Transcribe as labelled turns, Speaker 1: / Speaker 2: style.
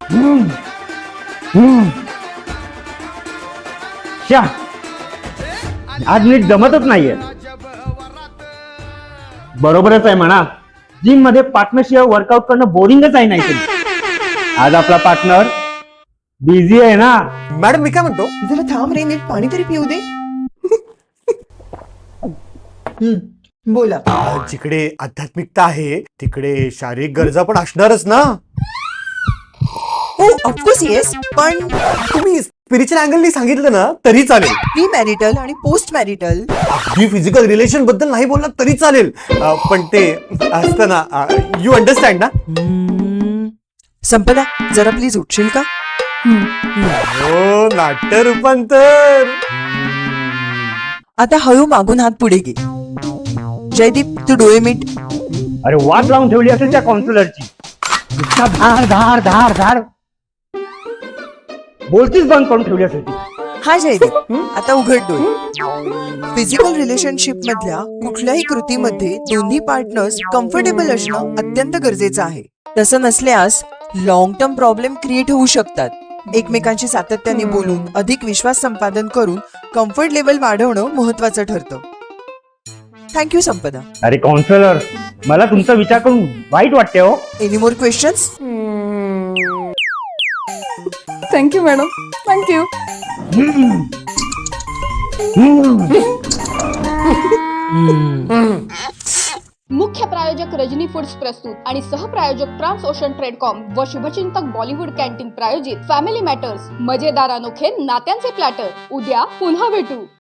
Speaker 1: श्या, आज नीट जमतच नाहीये. बरोबरच आहे म्हणा, जिम मध्ये पार्टनरशिवाय वर्कआउट करणं बोरिंगच आहे. नाही आज आपला पार्टनर बिझी आहे ना.
Speaker 2: मॅडम मी काय म्हणतो,
Speaker 3: जरा थांब रे, नीट पाणी तरी पिऊ दे. बोला.
Speaker 2: जिकडे आध्यात्मिकता आहे तिकडे शारीरिक गरजा पण असणारच ना.
Speaker 3: हो ऑफकोर्स येस, पण
Speaker 2: तुम्ही स्पिरिच्युअल अँगलनी सांगितलं ना तरी चालेल.
Speaker 3: प्री मॅरिटल आणि पोस्ट मॅरिटल.
Speaker 2: अगदी फिजिकल रिलेशन बद्दल नाही बोलला तरी चालेल, पण ते असतं ना, यू अंडरस्टँड ना.
Speaker 3: संपदा, जरा प्लीज उठशील का?
Speaker 2: हो, नाट्य रूपांतर.
Speaker 3: आता हळू मागून हात पुढे घे. जयदीप, तू डोळे मीट.
Speaker 1: अरे वाट लावून ठेवली असेल त्या काउन्सिलरची. इतका धार धार धार धार बोलतीच बंद करून ठेवली असेल ती.
Speaker 3: हा जयदीप, आता उघड डोळे. फिजिकल रिलेशनशिप मधल्या कुठल्याही कृतीमध्ये दोन्ही पार्टनर्स कम्फर्टेबल असणं अत्यंत गरजेचं आहे. तसं नसल्यास लॉंग टर्म प्रॉब्लेम क्रिएट होऊ शकतात. एकमेकांशी सातत्याने बोलून अधिक विश्वास संपादन करून कम्फर्ट लेवल वाढवणं महत्वाचं ठरतं. थँक्यू संपदा.
Speaker 1: अरे काउन्सिलर, मला तुमचा विचार करून वाईट वाटते हो.
Speaker 3: Any more questions?
Speaker 4: Thank you madam, thank you.
Speaker 5: मुख्य प्रायोजक रजनी फूड्स प्रस्तुत आणि सहप्रायोजक ट्रान्स ओशन ट्रेडकॉम व शुभचिंतक बॉलिवूड कॅन्टीन प्रायोजित फॅमिली मॅटर्स, मजेदार अनोखे नात्यांचे प्लॅटर. उद्या पुन्हा भेटू.